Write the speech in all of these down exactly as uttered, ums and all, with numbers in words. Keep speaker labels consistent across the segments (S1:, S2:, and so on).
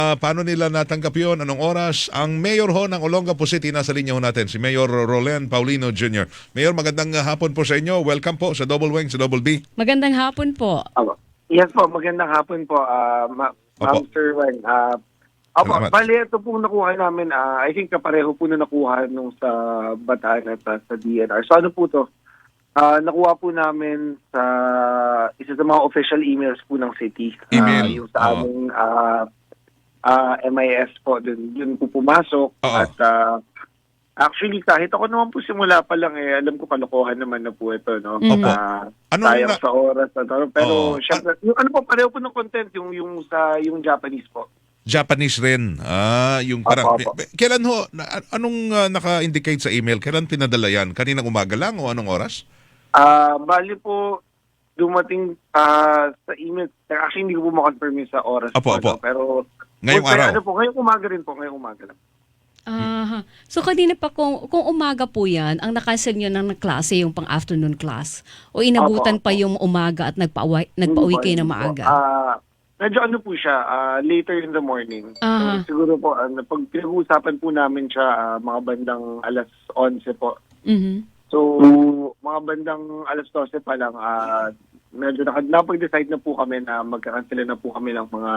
S1: Ah, paano nila natanggap yun? Anong oras? Ang mayor ho ng Olongapo City, nasa linya ho natin, si Mayor Roland Paulino Junior Mayor, magandang ah, hapon po sa inyo. Welcome po sa Double Wing, sa Double B.
S2: Magandang hapon po.
S3: Opo. Yes po, magandang hapon po, ah, ma-
S1: Opo.
S3: Ma'am Sir Wen. Ah, opo,
S1: Salamat.
S3: bali ito pong nakuha namin, ah, I think kapareho po na nakuha nung sa Bataan at ah, sa D N R. So ano po to? Ah, nakuha po namin sa isa sa mga official emails po ng city. Ah,
S1: Email,
S3: yung sa
S1: oo.
S3: aming ah, ah, M I S po, dun, dun po pumasok.
S1: Oo.
S3: At ah, actually, kahit ako naman po simula pa lang, eh, alam ko kalokohan naman na po ito, no?
S1: Opo.
S3: Ah,
S1: Anong
S3: sayang
S1: na-
S3: sa oras na to. Pero
S1: Oo.
S3: syempre, yung ano po, pareho po ng content, yung, yung sa yung Japanese po.
S1: Japanese rin. Ah, yung parang...
S3: Opo, opo.
S1: Kailan ho, na- anong ah, naka-indicate sa email? Kailan pinadala yan? Kaninang umaga lang o anong oras?
S3: Ah, bali po, dumating ah, sa email, actually hindi ko po makonfirm yung sa oras
S1: Opo,
S3: po,
S1: opo.
S3: no? Pero,
S1: Ngayong
S3: kung-
S1: araw?
S3: Ano po, ngayong umaga rin po, ngayong umaga lang.
S2: Aha. So kanina pa kung, kung umaga po yan, ang nakansel nyo ng klase yung pang-afternoon class? O inabutan
S3: Opo,
S2: pa
S3: opo.
S2: yung umaga at nagpa-uwi, nagpa-uwi
S3: Hindi po,
S2: kayo ng
S3: hindi po.
S2: maaga?
S3: Ah, medyo ano po siya, ah, later in the morning.
S2: Aha.
S3: So, siguro po, ano, pag pinag-uusapan po namin siya, ah, mga bandang alas onse po.
S2: Mhm.
S3: So, mga bandang alas dose pa lang, ah, medyo naka- napag-decide na po kami na magkakansela na po kami ng mga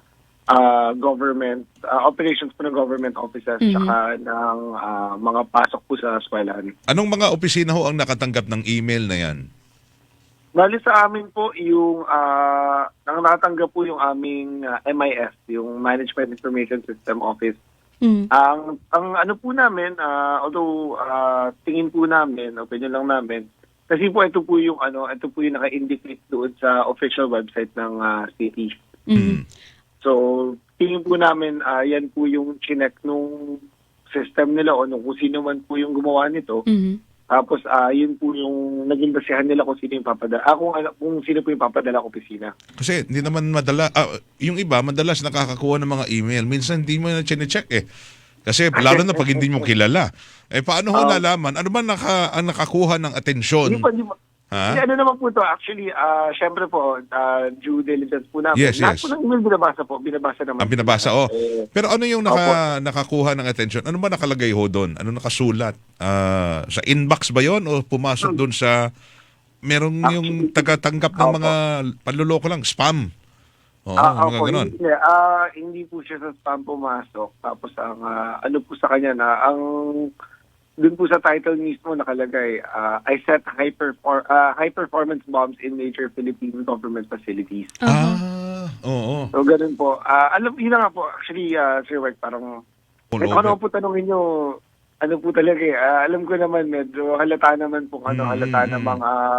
S3: ah, government, ah, operations po ng government offices,
S2: Mhm.
S3: tsaka ng ah, mga pasok po sa eskwelahan.
S1: Anong mga opisina ho ang nakatanggap ng email na yan?
S3: Bali sa amin po, yung ah, ang natanggap po yung aming ah, M I S, yung Management Information System Office.
S2: Mhm.
S3: Ang ang ano po namin, ah, although ah, tingin po namin, opinion lang namin, kasi po ito po yung ano, ito po yung naka-indicate doon sa official website ng ah, city.
S2: Mhm.
S3: So, tingin po namin ah, yan po yung chinek nung system nila o nung kung sino man po yung gumawa nito.
S2: Mhm.
S3: Tapos ah, yun po yung naging basihan nila kung sino yung papadala. Ah, kung, ano- kung sino po yung papadala ko opisina.
S1: Kasi hindi naman madala, ah, yung iba madalas nakakakuha ng mga email. Minsan hindi mo na chine-check eh. Kasi lalo na pag hindi mo kilala. Eh paano ho
S3: Um,
S1: nalaman? Ano ba naka, ang nakakuha ng atensyon?
S3: Hindi po, hindi po.
S1: Ha?
S3: Hindi, ano naman po to, actually, ah, syempre po, ah, due diligence po namin.
S1: Yes,
S3: Lahat
S1: yes.
S3: po ng email binabasa po, binabasa naman.
S1: Ang binabasa, oh.
S3: Eh,
S1: Pero ano yung naka, nakakuha ng atensyon? Ano ba nakalagay ho doon? Ano nakasulat? Ah, sa inbox ba yon o pumasok doon sa merong yung
S3: Actually,
S1: tagatanggap ng
S3: opo.
S1: mga panluloko lang, spam? Oo,
S3: Ah,
S1: mga
S3: opo,
S1: ganon.
S3: hindi, ah, hindi po siya sa spam pumasok. Tapos ang ah, ano po sa kanya na ang dun po sa title mismo nakalagay, ah, I set high perfor- ah, high performance bombs in major Philippine government facilities.
S1: Ah, oo.
S3: So ganun po. Ah, alam yun na nga po actually uh, Sir White, parang
S1: All
S3: kahit
S1: over.
S3: ano po tanongin nyo, ano po talaga eh. Ah, alam ko naman medyo halata naman po ano,
S1: Mm,
S3: halata
S1: mm,
S3: namang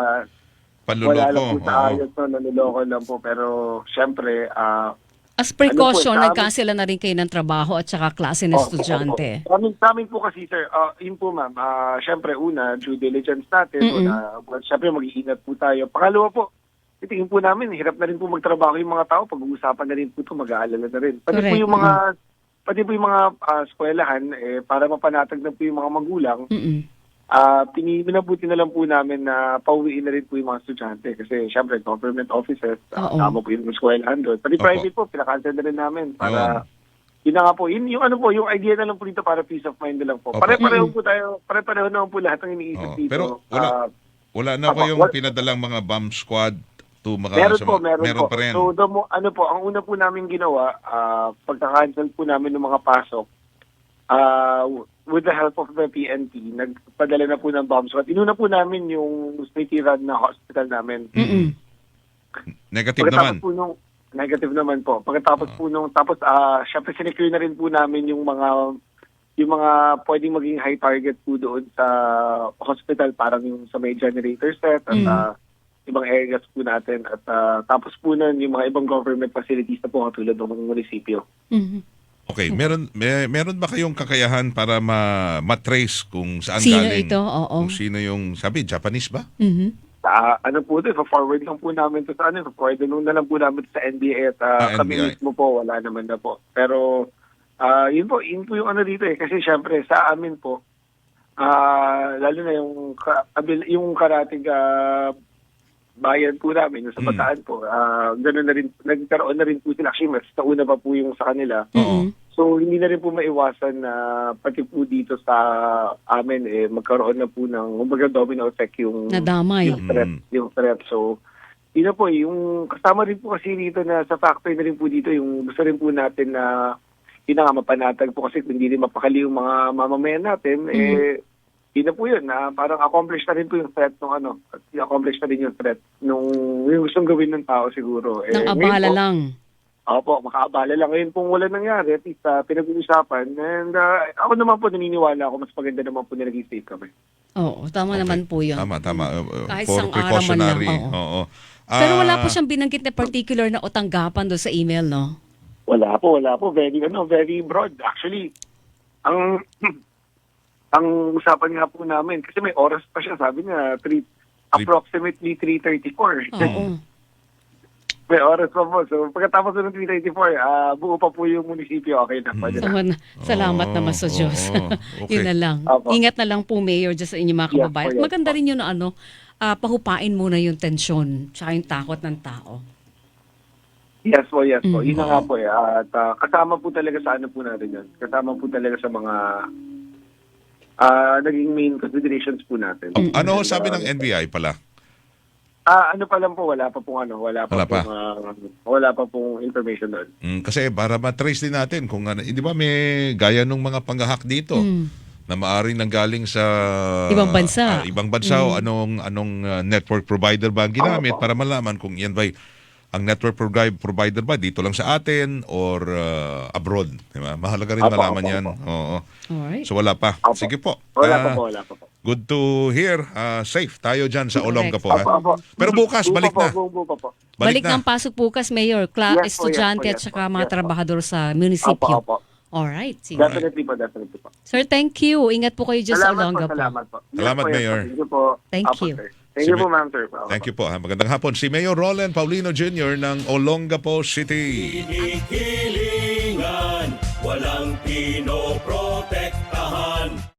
S3: ah, wala
S1: Panluloko.
S3: lang po sa
S1: oo.
S3: ayos no, nanuloko lang po. Pero syempre, ah,
S2: As precaution,
S3: Ano po, sa amin-
S2: nagkansela na rin kayo ng trabaho at saka klase ng
S3: Oh,
S2: estudyante.
S3: Sa amin, sa amin po kasi, sir, uh, yun po, ma'am, ah, syempre, una, due diligence natin.
S2: Mm-mm.
S3: Una, well, syempre, mag-iingat po tayo. Pangalawa po, titingin po namin, hirap na rin po magtrabaho yung mga tao. Pag-uusapan na rin po ito, mag-aalala na rin. Pati po
S2: Correct.
S3: yung mga, pati po yung mga ah, eskwelahan, eh, para mapanatag na po yung mga magulang,
S2: Mhm.
S3: ah uh, minabuti na lang po namin na pauwiin na rin po yung mga estudyante. Kasi, syempre, government offices, uh,
S2: Oo.
S3: tama po yung eskwelahan doon. Pati
S1: Opo.
S3: private po, pinakancel na rin namin para... Yun na nga po, yun, yung ano po, yung idea na lang po dito para peace of mind na lang po.
S1: Opo.
S3: Pare-pareho po tayo, pare-pareho naman po lahat ng iniisip
S1: Oo,
S3: dito.
S1: pero wala-
S3: Ah,
S1: Wala na
S3: Opo,
S1: kayong
S3: wal-
S1: pinadalang mga bomb squad to mga...
S3: meron
S1: sa
S3: po,
S1: mga-
S3: meron, po.
S1: pa rin.
S3: So, the mo, ano po, ang una po namin ginawa, ah pagka-cancel po namin ng mga pasok, ah with the help of the P N P, nagpadala na po ng bomb squad. Inuna po namin yung city-run na hospital namin.
S2: Mhm.
S1: Negative
S3: Pagkatapos
S1: naman.
S3: po nung, negative naman po. Pagkatapos po nung, tapos, ah syempre, sinecure na rin po namin yung mga, yung mga pwedeng maging high target po doon sa hospital, parang yung sa may generator set, at
S2: Mm.
S3: ah, ibang areas po natin. At ah, tapos po nun, yung mga ibang government facilities na po katulad ng munisipyo.
S2: Mhm.
S1: Okay, meron may, meron ba kayong kakayahan para ma matrace kung saan
S2: Sino
S1: galing?
S2: ito? Oo.
S1: Kung sino yung sabi Japanese ba?
S2: Mhm.
S3: Sa ano po ito, forward lang po namin to sa ano, forward na lang po namin sa N B I at
S1: Ah,
S3: ah, kami
S1: N B I.
S3: mismo po, wala naman na po. Pero ah yun po, yun po yung ano dito eh. Kasi syempre sa amin po, ah lalo na yung, ka- abil- yung karating ah, bayan po namin, yung sa
S1: Mm.
S3: Bataan po, ah gano'n na rin, nagkaroon na rin po sila. Actually, mas nauna pa po yung sa kanila.
S1: Oo.
S3: So, hindi na rin po maiwasan na pati po dito sa amin, eh, magkaroon na po ng, kumbaga, domino effect yung,
S2: Nadamay.
S3: yung threat.
S1: Mm.
S3: Yung threat. So, yun na po, yung kasama rin po kasi dito na sa factory na rin po dito, yung gusto rin po natin na, yun na nga, mapanatag po kasi kung hindi rin mapakali yung mga mamamayan natin, eh, yun na po yun, na parang accomplish na rin po yung threat nung ano, at accomplish na rin yung threat nung yung gustong gawin ng tao siguro. Eh,
S2: Nang
S3: ngayon
S2: abala
S3: po,
S2: lang.
S3: Opo, makaabala lang. Ngayon pong wala nangyari, at least uh, pinag-uusapan. And uh, ako naman po naniniwala ako, mas maganda naman po na naging safe kami.
S2: Oo, tama
S1: Okay.
S2: naman po yun.
S1: Tama, tama. Uh, uh,
S2: Kahit
S1: for
S2: isang araw man
S1: precautionary.
S2: lang, oo.
S1: Oo.
S2: Pero wala
S1: Ah,
S2: po siyang binanggit na particular na o tanggapan doon sa email, no?
S3: Wala po, wala po. Very, ano, very broad. Actually, ang ang usapan nga po namin, kasi may oras pa siya, sabi niya, three, approximately three thirty-four.
S2: Oo.
S3: May oras pa po. So, pagkatapos ng three thirty-four, ah buo pa po yung munisipyo. Okay na. Pwede na.
S2: Tama na. Salamat
S1: Oo,
S2: naman sa Diyos.
S1: oo, okay.
S2: Yun na lang.
S3: Opo.
S2: Ingat na lang po, Mayor, dyan sa inyong mga
S3: Yes
S2: kababayan.
S3: po, yes
S2: Maganda
S3: po.
S2: rin yun na ano, ah, pahupain muna yung tensyon tsaka yung takot ng tao.
S3: Yes po, yes po.
S2: Mm.
S3: Yun na nga po eh. At ah, kasama po talaga sa ano po natin yun. Kasama po talaga sa mga ah naging main considerations po natin.
S1: ano ho sabi ng N B I pala?
S3: Ah, ano pa lang po, wala pa pong ano, wala pa
S1: Wala pa.
S3: pong, ah, wala pa pong information doon.
S1: Mm, kasi para matrace din natin kung ano, di ba may gaya nung mga panggahak dito
S2: Mm.
S1: na maaring nanggaling sa
S2: Ibang bansa.
S1: ah, ibang bansa o anong anong ah, network provider ba ang ginamit
S3: Opo.
S1: para malaman kung yan ba ang network provi- provider ba dito lang sa atin or ah, abroad, di ba? Mahalaga rin
S3: Opo,
S1: malaman
S3: opo,
S1: yan.
S3: opo.
S1: Oo.
S2: Alright.
S1: So wala pa.
S3: Opo.
S1: Sige po.
S3: Wala
S1: Ah,
S3: pa po, wala pa po.
S1: Good to hear. Ah, safe tayo dyan sa
S2: Correct.
S1: Olonga po.
S3: Opo,
S1: Ha?
S3: opo.
S1: Pero bukas,
S3: Buo
S1: balik
S3: pa
S1: na.
S3: po, buo pa po.
S2: Balik,
S1: na.
S2: ng pasok bukas, Mayor. Kla-
S3: Yes po, yes
S2: estudyante
S3: po,
S2: at
S3: yes
S2: saka
S3: po,
S2: mga
S3: yes po.
S2: trabahador sa
S3: Opo,
S2: munisipyo.
S3: opo.
S2: Alright. Sige.
S3: Definitely po, definitely po.
S2: Sir, thank you. Ingat po kayo dyan sa
S3: Salamat
S2: Olonga
S3: po,
S2: po.
S3: salamat po. Yes
S1: Salamat,
S3: po, yes po.
S1: Mayor.
S3: Thank you po.
S2: Thank
S3: Opo,
S2: you.
S3: sir. Thank
S1: Si
S3: you po,
S1: Ma-
S3: ma'am, sir.
S1: Thank you po. Ha? Magandang hapon. Si Mayor Roland Paulino Junior ng Olongapo City.
S4: Kinikilingan, walang pinoprotektahan.